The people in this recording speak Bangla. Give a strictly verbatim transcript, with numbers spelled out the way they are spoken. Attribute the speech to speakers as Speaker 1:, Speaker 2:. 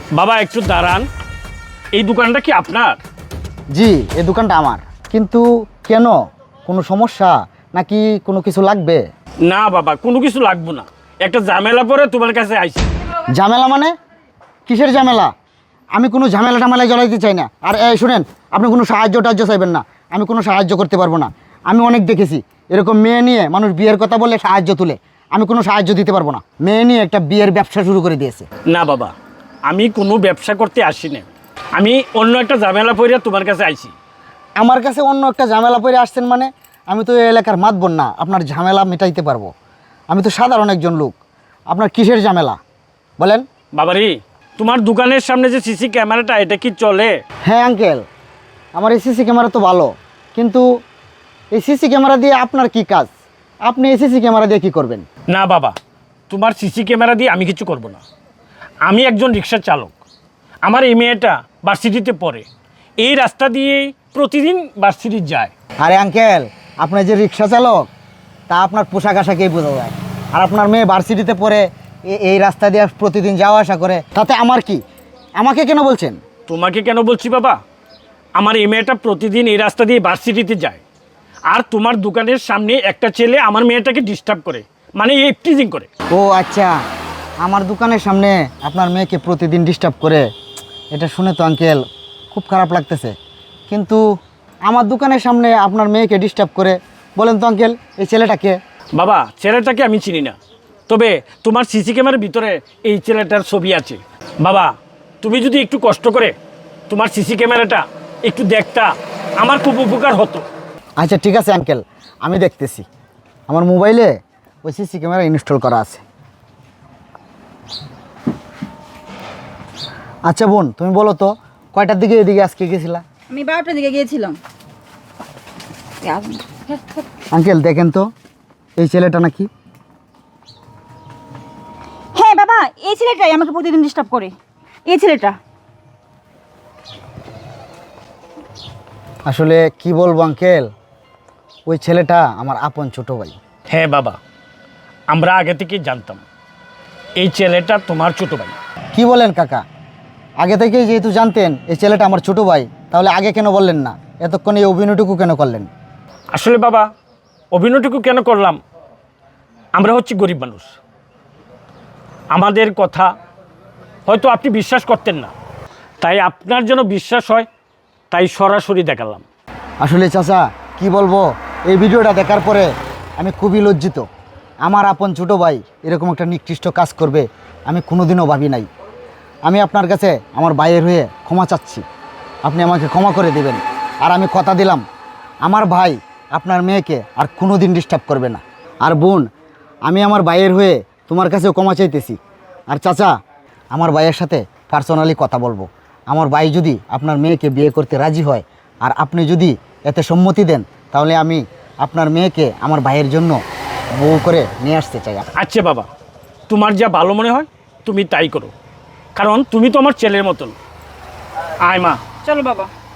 Speaker 1: বাবা একটু দাঁড়ান, এই দোকানটা কি আপনার?
Speaker 2: জি, এই দোকানটা আমার। কিন্তু কেন, কোনো সমস্যা নাকি কোনো কিছু লাগবে?
Speaker 1: না বাবা, কোনো কিছু লাগবে না, একটা ঝামেলা পরে তোমার কাছে আইছি।
Speaker 2: ঝামেলা মানে? কিসের ঝামেলা? আমি কোনো ঝামেলা টামেলায় জড়াইতে চাই না। আর এই শুনেন, আপনি কোনো সাহায্য টাহায্য চাইবেন না, আমি কোনো সাহায্য করতে পারবো না। আমি অনেক দেখেছি এরকম মেয়ে নিয়ে মানুষ বিয়ের কথা বলে সাহায্য তুলে, আমি কোনো সাহায্য দিতে পারবো না। মেয়ে নিয়ে একটা বিয়ের ব্যবসা শুরু করে দিয়েছে।
Speaker 1: না বাবা, আমি কোনো ব্যবসা করতে আসি না, আমি অন্য একটা ঝামেলা পরে তোমার কাছে আইছি।
Speaker 2: আমার কাছে অন্য একটা ঝামেলা পড়ে আসছেন মানে? আমি তো এই এলাকার মাতবর না, আপনার ঝামেলা মেটাইতে পারবো। আমি তো সাধারণ একজন লোক, আপনার কিসের ঝামেলা বলেন?
Speaker 1: বাবারি, তোমার দোকানের সামনে যে সিসি ক্যামেরাটা, এটা কি চলে?
Speaker 2: হ্যাঁ আঙ্কেল, আমার এই সিসি ক্যামেরা তো ভালো, কিন্তু এই সিসি ক্যামেরা দিয়ে আপনার কি কাজ? আপনি এই সিসি ক্যামেরা দিয়ে কী করবেন?
Speaker 1: না বাবা, তোমার সিসি ক্যামেরা দিয়ে আমি কিছু করব না। আমি একজন রিক্সা চালক, আমার এই মেয়েটা ভার্সিটিতে পড়ে, এই রাস্তা দিয়েই প্রতিদিন ভার্সিটি যায়।
Speaker 2: আরে আঙ্কেল, আপনার যে রিক্সা চালক তা আপনার পোশাক আশাকেই বোঝা যায়। আর আপনার মেয়ে ভার্সিটিতে পড়ে এ- এই রাস্তা দিয়ে প্রতিদিন যাওয়া আসা করে, তাতে আমার কি? আমাকে কেন বলছেন?
Speaker 1: তোমাকে কেন বলছি বাবা, আমার এই মেয়েটা প্রতিদিন এই রাস্তা দিয়ে ভার্সিটিতে যায়, আর তোমার দোকানের সামনে একটা ছেলে আমার মেয়েটাকে ডিস্টার্ব করে, মানে এই টিজিং করে।
Speaker 2: ও আচ্ছা, আমার দোকানের সামনে আপনার মেয়েকে প্রতিদিন ডিস্টার্ব করে। এটা শুনে তো আঙ্কেল খুব খারাপ লাগতেছে, কিন্তু আমার দোকানের সামনে আপনার মেয়েকে ডিস্টার্ব করে, বলেন তো আঙ্কেল এই ছেলেটাকে?
Speaker 1: বাবা, ছেলেটাকে আমি চিনি না, তবে তোমার সিসি ক্যামেরার ভিতরে এই ছেলেটার ছবি আছে। বাবা, তুমি যদি একটু কষ্ট করে তোমার সিসি ক্যামেরাটা একটু দেখতা, আমার খুব উপকার হতো।
Speaker 2: আচ্ছা ঠিক আছে আঙ্কেল, আমি দেখতেছি। আমার মোবাইলে ওই সিসি ক্যামেরা ইনস্টল করা আছে। আচ্ছা বোন, তুমি বলো তো কয়টার দিকে এদিকে আজকে গেছিলা?
Speaker 3: আমি বারোটার দিকে গিয়েছিলাম।
Speaker 2: আঙ্কেল দেখেন তো, এই ছেলেটা নাকি?
Speaker 3: হ্যাঁ বাবা, এই ছেলেটাই আমাকে প্রতিদিন ডিস্টার্ব করে। এই ছেলেটা
Speaker 2: আসলে কি বলবো আঙ্কেল, ওই ছেলেটা আমার আপন ছোট ভাই।
Speaker 1: হ্যাঁ বাবা, আমরা আগে থেকেই জানতাম এই ছেলেটা তোমার ছোট ভাই।
Speaker 2: কি বলেন কাকা? আগে থেকেই যেহেতু জানতেন এই ছেলেটা আমার ছোট ভাই, তাহলে আগে কেন বললেন না? এতক্ষণ এই অভিনয়টুকু কেন করলেন?
Speaker 1: আসলে বাবা, অভিনয়টুকু কেন করলাম, আমরা হচ্ছি গরিব মানুষ, আমাদের কথা হয়তো আপনি বিশ্বাস করতেন না, তাই আপনার যেন বিশ্বাস হয় তাই সরাসরি দেখালাম।
Speaker 2: আসলে চাচা কি বলবো, এই ভিডিওটা দেখার পরে আমি খুবই লজ্জিত। আমার আপন ছোটো ভাই এরকম একটা নিকৃষ্ট কাজ করবে আমি কোনোদিনও ভাবি নাই। আমি আপনার কাছে আমার ভাইয়ের হয়ে ক্ষমা চাচ্ছি, আপনি আমাকে ক্ষমা করে দেবেন। আর আমি কথা দিলাম আমার ভাই আপনার মেয়েকে আর কোনো দিন ডিস্টার্ব করবে না। আর বোন, আমি আমার ভাইয়ের হয়ে তোমার কাছেও ক্ষমা চাইতেছি। আর চাচা, আমার ভাইয়ের সাথে পার্সোনালি কথা বলবো। আমার ভাই যদি আপনার মেয়েকে বিয়ে করতে রাজি হয় আর আপনি যদি এতে সম্মতি দেন, তাহলে আমি আপনার মেয়েকে আমার ভাইয়ের জন্য বউ করে নিয়ে আসতে চাই।
Speaker 1: আচ্ছা বাবা, তোমার যা ভালো মনে হয় তুমি তাই করো, কারণ তুমি তো আমার ছেলের মতন। আয় মা।
Speaker 3: চলো বাবা।